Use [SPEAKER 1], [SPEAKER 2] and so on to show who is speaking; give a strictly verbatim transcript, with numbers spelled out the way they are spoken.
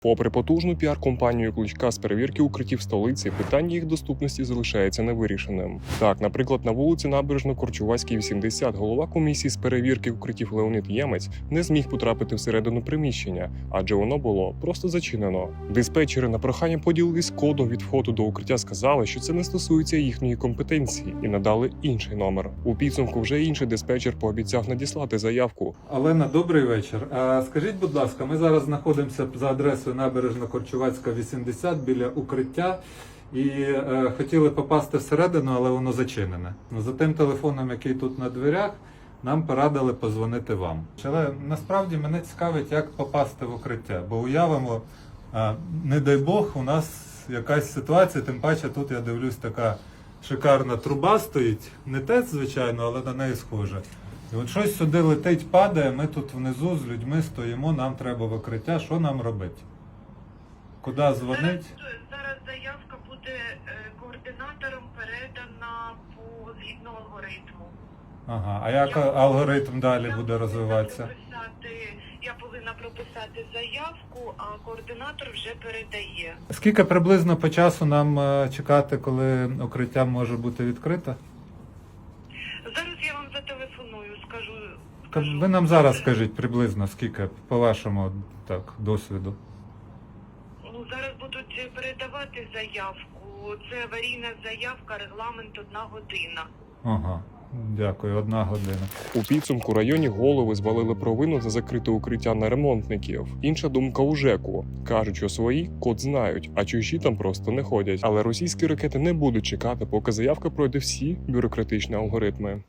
[SPEAKER 1] Попри потужну піар-компанію Кличка з перевірки укриттів столиці, питання їх доступності залишається невирішеним. Так, наприклад, на вулиці Набережно-Корчувацькій, вісімдесят, голова комісії з перевірки укриттів Леонід Ємець не зміг потрапити всередину приміщення, адже воно було просто зачинено. Диспетчери на прохання поділились кодом від входу до укриття, сказали, що це не стосується їхньої компетенції, і надали інший номер. У підсумку вже інший диспетчер пообіцяв надіслати заявку.
[SPEAKER 2] Олена, добрий вечір. А скажіть, будь ласка, ми зараз знаходимося за адресою Набережно-Корчувацька, вісімдесят, біля укриття. І е, хотіли попасти всередину, але воно зачинене. Ну, за тим телефоном, який тут на дверях, нам порадили позвонити вам. Але насправді мене цікавить, як попасти в укриття. Бо уявимо, е, не дай Бог, у нас якась ситуація, тим паче тут, я дивлюсь, така шикарна труба стоїть. Не ТЕЦ, звичайно, але на неї схоже. І от щось сюди летить, падає, ми тут внизу з людьми стоїмо, нам треба в укриття, що нам робити? Куди дзвонить?
[SPEAKER 3] Зараз, зараз заявка буде е, координатором передана по згідно алгоритму.
[SPEAKER 2] Ага, а як
[SPEAKER 3] Я
[SPEAKER 2] алгоритм далі
[SPEAKER 3] я
[SPEAKER 2] буде
[SPEAKER 3] повинна
[SPEAKER 2] розвиватися?
[SPEAKER 3] прописати- Я повинна прописати заявку, а координатор вже передає.
[SPEAKER 2] Скільки приблизно по часу нам е, чекати, коли укриття може бути відкрите?
[SPEAKER 3] Зараз я вам зателефоную, скажу.
[SPEAKER 2] Ка-
[SPEAKER 3] скажу.
[SPEAKER 2] Ви нам зараз скажіть приблизно, скільки, по вашому так, досвіду.
[SPEAKER 3] Ну, зараз будуть передавати заявку. Це аварійна заявка, регламент одна година.
[SPEAKER 2] Ага, дякую, одна година.
[SPEAKER 1] У підсумку районні голови звалили провину за закрите укриття на ремонтників. Інша думка у ЖЕКу. Кажуть, що свої код знають, а чужі там просто не ходять. Але російські ракети не будуть чекати, поки заявка пройде всі бюрократичні алгоритми.